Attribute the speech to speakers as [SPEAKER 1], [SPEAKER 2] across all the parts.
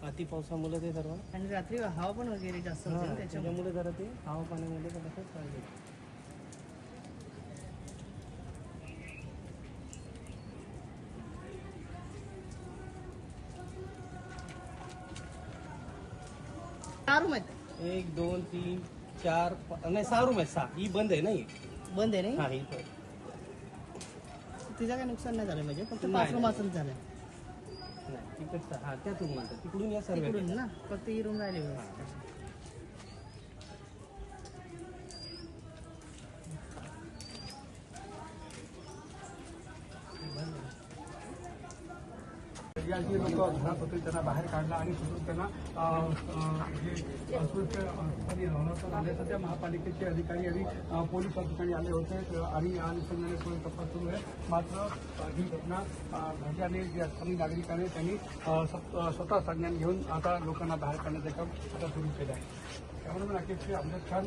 [SPEAKER 1] अति पावसामुळे ते सर्व
[SPEAKER 2] आणि रात्री हवा पण वगैरे जास्त होते ना,
[SPEAKER 1] त्याच्यामुळे जरा ते हवा पाण्यामध्ये पण असं पाहिजे.
[SPEAKER 2] रूम आहेत.
[SPEAKER 1] 1 2 3 4 नाही 6 रूम आहेत. 6 ही बंद आहे ना, ही
[SPEAKER 2] बंद आहे
[SPEAKER 1] हा
[SPEAKER 2] नाही.
[SPEAKER 1] ही पण.
[SPEAKER 2] तिचं काय नुकसान नाही झालं म्हणजे फक्त
[SPEAKER 1] नाही,
[SPEAKER 2] 5 रूम असंच झालं
[SPEAKER 1] नाही तिकडचा हा त्याच रूम म्हणतात तिकडून या सर्व
[SPEAKER 2] तिकडून ना, फक्त ही रूम राहिली व्यवस्थित.
[SPEAKER 3] या जी लोक घरात होते त्यांना बाहेर काढला आणि तिथून त्यांना जे असुरक्षितपणे राहण्यात आले. सध्या महापालिकेचे अधिकारी आणि पोलीस अधिकारी आले होते आणि या अनुषंगाने पुढे तपास सुरू आहे. मात्र ही घटना घडल्याने जे स्थानिक नागरिक आहेत त्यांनी स्वतः संज्ञान घेऊन आता लोकांना बाहेर काढण्याचं काम आता सुरू केलं आहे. त्यामुळे राकेश अमजद खान.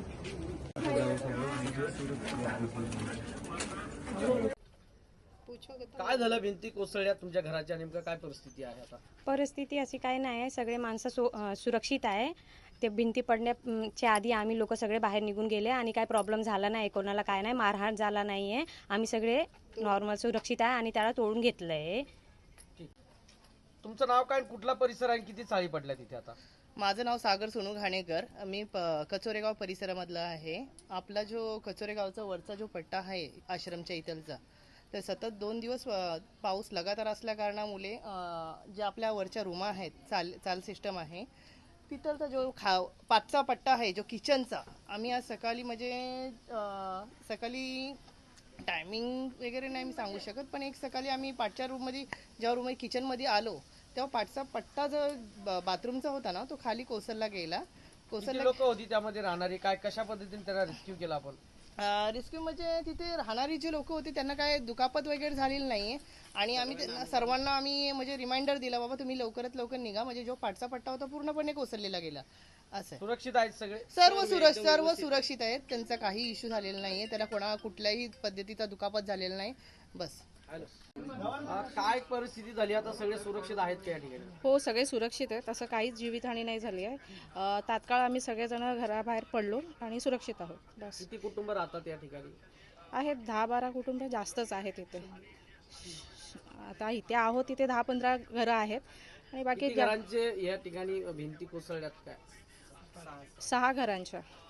[SPEAKER 1] काय झालं? भिंती कोसळल्या तुमच्या घराच्या, नेमकं काय परिस्थिती आहे आता?
[SPEAKER 4] परिस्थिती अशी काही नाही आहे. सगळे माणसं सुरक्षित आहे. ते भिंती पडण्याच्या आधी आम्ही लोक सगळे बाहेर निघून गेले आणि काय प्रॉब्लेम झाला नाही, कोणाला काय नाही, मारहाण झाला नाही आहे. आम्ही सगळे नॉर्मल सुरक्षित आहे आणि त्याला तोडून घेतलंय.
[SPEAKER 1] तुमचं नाव काय, कुठला परिसर आहे, किती चाळी पडल्या तिथे आता?
[SPEAKER 2] माझं नाव सागर सोनू घाणेकर. मी कचोरेगाव परिसरामधला आहे. आपला जो कचोरेगावचा वरचा जो पट्टा आहे आश्रमच्या इथलचा, तर सतत 2 दिवस पाऊस लगातार असल्या कारणामुळे ज्या आपल्या वरच्या रूमा आहेत, चाल सिस्टम आहे, तिथलचा जो पाचचा पट्टा आहे जो किचनचा, आम्ही आज सकाळी म्हणजे सकाळी टायमिंग वगैरे नाही मी सांगू शकत, पण एक सकाळी आम्ही पाचच्या रूममध्ये जेव्हा रूम किचनमध्ये आलो तेव्हा पाचचा पट्टा जो बाथरूमचा होता ना, तो खाली कोसळला गेला.
[SPEAKER 1] लोक होती त्यामध्ये राहणारी, काय कशा पद्धतीने त्याला रेस्क्यू केला आपण?
[SPEAKER 2] रेस्क्यू म्हणजे तिथे राहणारी जी लोक होती त्यांना काय दुखापत वगैरे झालेली नाहीये आणि आम्ही त्यांना सर्वांना आम्ही म्हणजे रिमाइंडर दिला, बाबा तुम्ही लवकरात लवकर निघा, म्हणजे जो पाठचा पट्टा होता पूर्णपणे कोसळलेला गेला. असं
[SPEAKER 1] सुरक्षित आहेत सगळे?
[SPEAKER 2] सर्व सुरक्षित आहेत. त्यांचा काही इश्यू झालेला नाहीये, त्याला कुठल्याही पद्धतीचा दुखापत झालेला नाही. बस.
[SPEAKER 1] काय परिस्थिती झाली आता? सगळे सुरक्षित आहेत का या ठिकाणी?
[SPEAKER 5] हो, सगळे सुरक्षित आहेत. असं काहीच जीवितहानी नाही झाली आहे. तात्काळ आम्ही सगळेजण घराबाहेर पडलो आणि सुरक्षित आहोत. बस.
[SPEAKER 1] किती कुटुंब राहतात या ठिकाणी?
[SPEAKER 5] आहेत 10-12 कुटुंब जास्तच आहेत इथे. आता इथे आहोत तिथे 10-15 घरं आहेत आणि बाकी
[SPEAKER 1] घरांचे या ठिकाणी भिंती कोसळल्यात काय?
[SPEAKER 5] 6 घरांच्या.